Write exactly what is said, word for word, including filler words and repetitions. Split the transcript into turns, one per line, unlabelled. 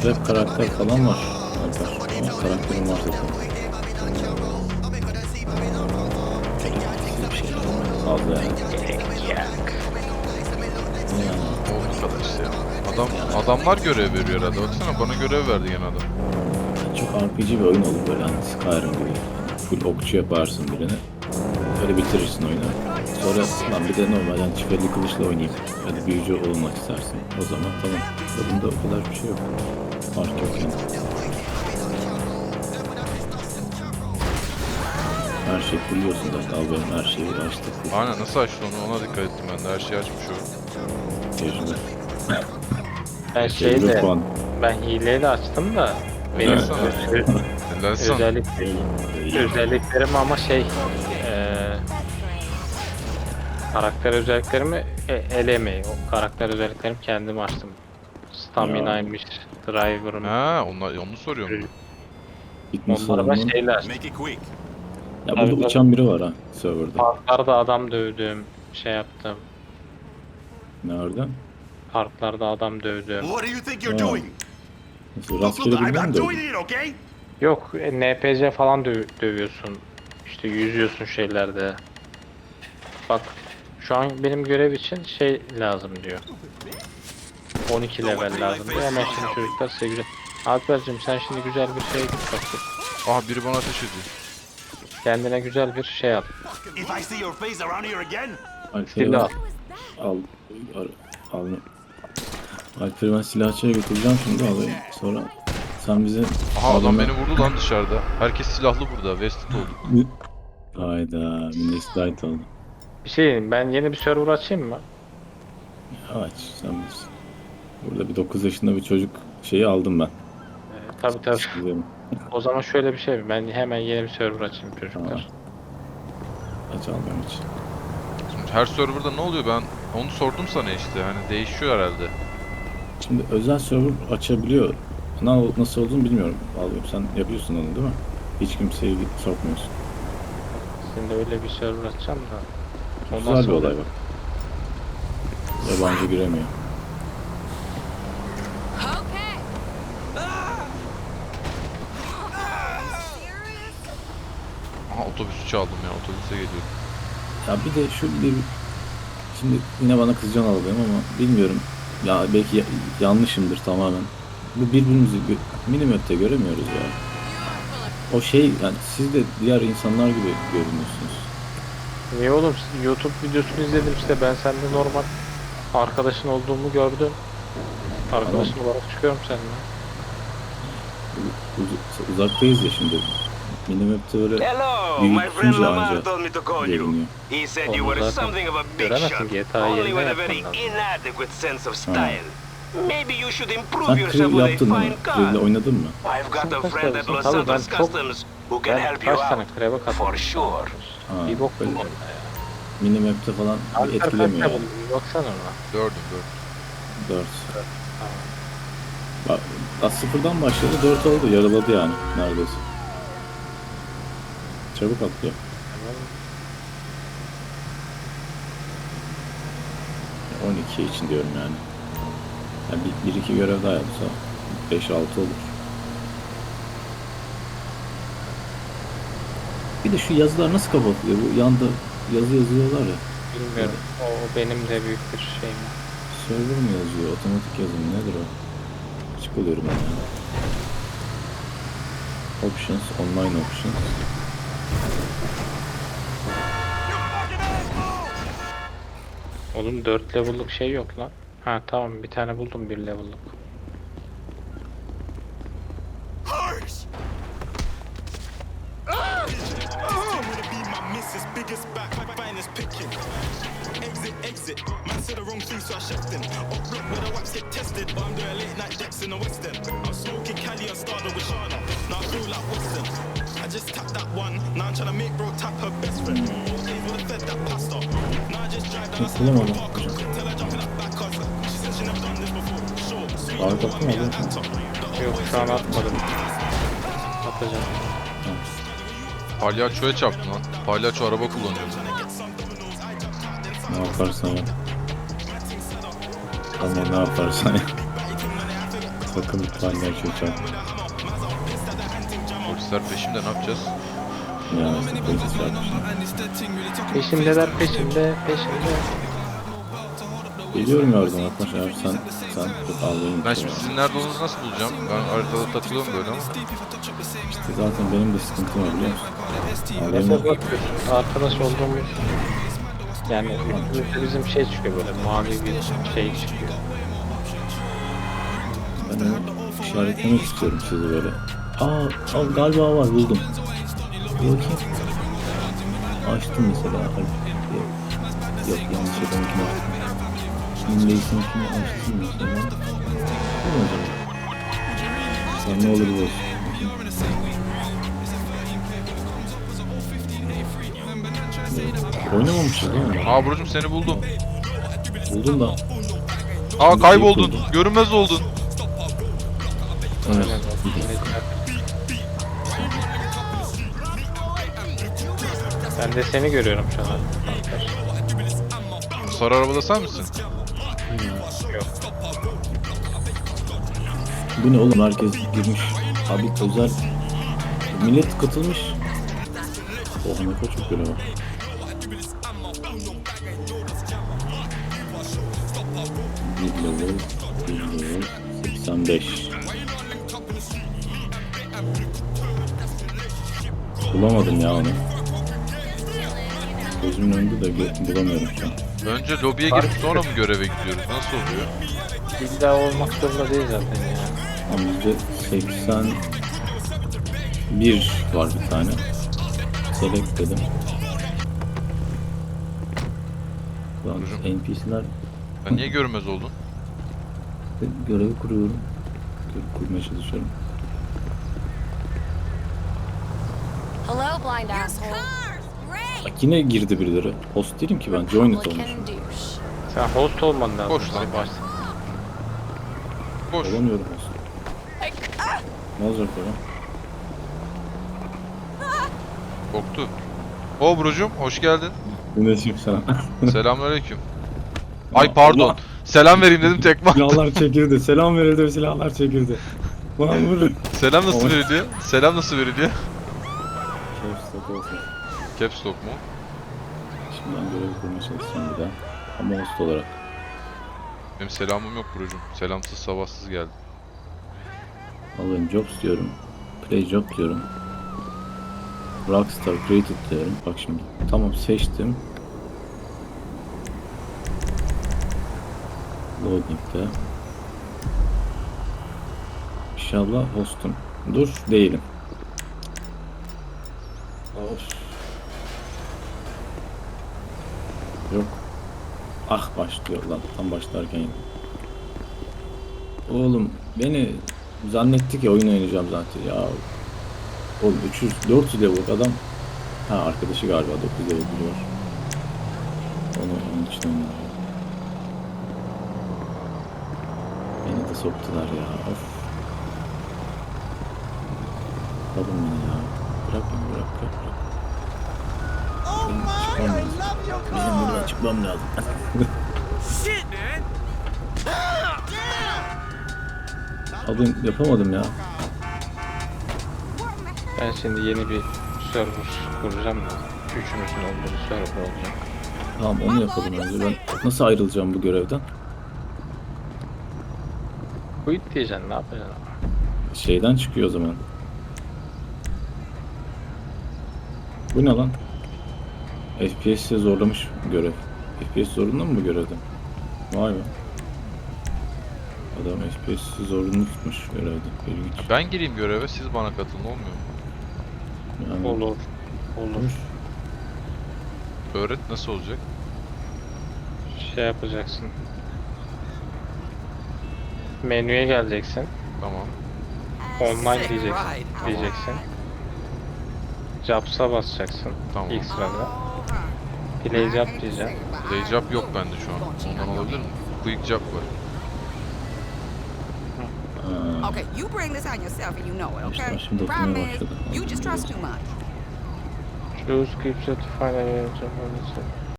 acayip karakter falan var. Alper. Ama karakterim var zaten. Bir şey fazla yani.
O kadar işte ya. Adam, adamlar görev veriyor herhalde. Baksana bana görev verdi gene adam.
Çok R P G bir oyun olur böyle hani Skyrim gibi. Full okçu yaparsın birini. Öyle bitirirsin oyunu. Sonra lan bir de normal yani çiftli kılıçla oynayayım. Hadi büyücü olmak istersin. O zaman tamam. Bunda o kadar bir şey yok. Fark yok yani. Her şey biliyorsun zaten. Al benim her şeyi açtık.
Aynen, nasıl açtı onu, ona dikkat ettim ben de, her şeyi açmış o.
Tecrübe.
Ben
Tecrübe
şeyle,
puan.
ben hileyle açtım da benim
Evet.
ö-
Helal sana.
özellik, özelliklerim ama şey eee karakter özelliklerimi e, elemeyi. O karakter özelliklerimi kendim açtım. Stamina'ymış, driver'ım.
Ha, onlar, onu soruyorum ben.
Gitmiş
Onları ben
adamın.
şeyle açtım.
Make it quick.
Ya burada
Tabii,
uçan biri var ha serverda.
Parklarda adam dövdüm, şey yaptım.
Nerede?
Parklarda adam dövdüm.
What do you think you're
Oh.
doing?
Nasıl
Look,
rastgele
look, I'm,
bilmem
I'm
de.
doing it, okay?
Yok, e, N P C falan dö- dövüyorsun. İşte yüzüyorsun şeylerde. Bak, şu an benim görev için şey lazım diyor. on iki level lazım diyor ama şimdi çocuklar size güzel. Alper'cim sen şimdi güzel bir şey git bakayım.
Aha, biri bana ateş ediyor.
Kendine güzel bir şey al.
If I see your face around here again,
Alper'i
Silah.
ben al. Al. al. Alper'i ben silahçıya götüreceğim şimdi alayım. Sonra sen bize...
Aha, adam
adamı-
beni vurdu lan dışarıda. Herkes silahlı burada. Vested oldu.
Hayda. Millet light oldu.
Bir şey diyeyim, ben yeni bir server açayım mı?
Aç sen bilirsin. Burada bir dokuz yaşında bir çocuk şeyi aldım ben.
Ee, tabii tabii.
Gidelim.
O zaman şöyle bir şey, ben hemen yeni bir server açayım çocuklar.
Aç almam için.
Şimdi her serverda ne oluyor, ben onu sordum sana işte. Hani değişiyor herhalde.
Şimdi özel server açabiliyor. Na- Nasıl olduğunu bilmiyorum. Alıyorum. Sen yapıyorsun onu değil mi? Hiç kimseyi sokmuyorsun.
Şimdi öyle bir server açacağım da. O
Güzel
nasıl
bir olay
olur?
bak. Yabancı giremiyor.
Okay.
Aha, otobüsü çaldım ya, otobüse geliyorum.
Ya bir de şu bir... Şimdi yine bana kızacaksın alayım ama bilmiyorum. Ya belki ya- yanlışımdır tamamen. Bu birbirimizi gö- minimap'te göremiyoruz ya. O şey yani siz de diğer insanlar gibi görünüyorsunuz.
Niye oğlum, YouTube videosunu izledim işte, ben sende normal arkadaşın olduğumu gördüm. Arkadaşın olarak çıkıyorum seninle.
Uz- uzaktayız ya şimdi. Minimap'te öyle
Hello,
büyük
my friend
tutunca
Lamar
anca
told me to call you.
görünüyor.
He said you
Onu
were
zaten
something of a big
göremezsin,
shot,
G T A
only
yerine
with a very
yapman lazım.
inadequate sense of style. Maybe you should improve
Sen
yourself
Krill
with a
yaptın mı?
fine
Krill'le
car.
oynadın mı?
I've got a
Kaç
friend at
tanesini?
Los
Tabii ben
Santos
çok-
Customs who can
Ben
help you
kaç tane
out.
kreve katıldım.
For sure.
Ha,
Bir bok
böyle
buldum ya.
minimap'te falan bir
Alper kaç
etkilemiyor.
tane
Yani.
buldun? Bir baksana ona.
Gördüm gördüm.
dört. Bak, daha sıfırdan başladı dört oldu. Yarıladı yani neredeyse. Çabuk atlıyor. on iki için diyorum yani. Yani bir, bir iki görev daha yapsa beş altı olur. Bir de şu yazılar nasıl kapatılıyor? Bu yanda yazı yazıyorlar ya.
Bilmiyorum. O benim de büyük bir şeyim.
Server mi yazıyor? Otomatik yazım nedir o? Açık oluyorum ben yani. Options, online options.
Oğlum dört level'lık şey yok lan. Ha tamam, bir tane buldum bir level'lık.
Harsh! Exit, exit. Man said the wrong thing, so I checked in. Up block where the wax get tested, but I'm doing late night decks in the West End. I'm smoking Cali and started with Shana. Now I feel like Western. I just tapped that one. Now I'm trying to make bro tap her best friend. All day would have fed that pasta. Now I just drive down the side of the park. Couldn't tell her jumping up back cause she said she never done this before. Sure, sweet.
Abi baktın mı? Aldın mı?
Yok şu an atmadım. Atacağım.
Palyaçoya çarptım lan. Palyaço araba kullanıyordu.
Ne yaparsan yap. Ama ne yaparsan yap. Sakın lütfen gerçekten.
Polisler peşimde, ne yapacağız?
Ya işte polis çarpmış.
Peşimdeler peşimde peşimde.
Geliyorum yardım Atmaş eğer sen sen çok ağlayın.
Ben şimdi sizin nerede olduğunuzu nasıl bulacağım? Ben haritada takılıyorum böyle ama.
İşte zaten benim de sıkıntım var biliyor musun?
Mesela
Ağlayın.
bak arkadaş olduğumuz yani üstümüzde bizim şey çıkıyor böyle mavi bir şey çıkıyor.
Ben onu işaretlemek istiyorum sizi böyle. Aa, aa galiba var buldum. Bir bakayım. Açtım mesela. Ay, Yok, yok yanlış yapamınkini açtım. Şimdiysenkini açtım mesela. Bu ne acaba? Ya ne olur bu olsun. Oynamamışız değil mi?
Aa Burcu'm seni buldum.
Buldum da.
Aa kayboldun. Görünmez oldun.
Evet.
Ben de seni görüyorum şu an.
Sarı arabada sen misin?
Yok.
Bu ne oğlum, herkes girmiş. Abi özel millet katılmış. Oha ne kadar çok görev var. Bir level, bir level, seksen beş. Bulamadım ya onu. Gözümün önünde de gö- bulamıyorum şu an.
Önce lobiye girip sonra mı göreve gidiyoruz? Nasıl oluyor?
İlla olmak zorunda değil zaten ya.
Ama bizde seksen bir var bir tane. Select dedim. Lan N P C'ler
Sen niye görünmez oldun?
görevi kuruyorum. Görev kurmaya çalışıyorum.
Hello, blind asshole.
Bak yine girdi birileri. Host değilim ki ben. Join it olmuşum.
Republican douche.
Sen host olman lazım.
Boş lan.
Başta.
Boş.
Olamıyorum host. Ne olacak böyle?
Korktu. O Burcu'm hoş geldin.
Güneşim sana.
Selamünaleyküm. Ay pardon. Selam vereyim dedim tekme attım.
Silahlar çekildi. Selam verildi ve silahlar çekildi. Lan vurun.
Selam nasıl
Oy.
veriliyor? Selam nasıl veriliyor?
Şef stok olsun.
Caps lock mu?
Şimdi ben görevi kurmaya çalışacağım bir daha. Ama host olarak.
Benim selamım yok Burcu'm. Selamsız sabahsız geldim.
Alayım jobs diyorum. Play job diyorum. Rockstar created diyorum. Bak şimdi. Tamam seçtim. Loading'de. İnşallah hostum. Dur değilim. Of. Yok. Ah başlıyor lan. Tam başlarken. Oğlum beni zannetti ki oyun oynayacağım zaten ya. Oğlum üç yüz dört yüz level adam. Ha arkadaşı galiba dokuz level biri var. Onu onun için oynuyor. Beni de soktular ya. Of. Alın beni ya. Bırak beni bırak bırak bırak. Benim çıkmam lazım. Benim buradan çıkmam lazım. Abi yapamadım ya.
Ben şimdi yeni bir server kuracağım. Üçümüzün olduğu bir server olacak.
Tamam onu yapalım önce. Ben nasıl ayrılacağım bu görevden?
Quit diyeceksin, ne yapacaksın?
Şeyden çıkıyor o zaman. Bu ne lan? F P S'e zorlamış görev. F P S zorunda mı bu görevde? Vay be. Adam F P S'i zorunlu tutmuş görevde. İlginç.
Ben gireyim göreve, siz bana katılın, olmuyor mu?
Yani
Olur. Olur.
Öğret, nasıl olacak?
Şey yapacaksın. Menüye geleceksin.
Tamam.
Online diyeceksin. diyeceksin. Jobs'a basacaksın.
Tamam.
İlk sırada. Play job diyeceksin.
Play job yok bende şu an. Ondan olabilir mi? Quick job var.
Ha,
Okay, you bring this on yourself and you know it,
İşte
okay?
şimdi
Problem
okumaya
is,
başladı.
you just trust too much.
Choose scripture to find a job on this.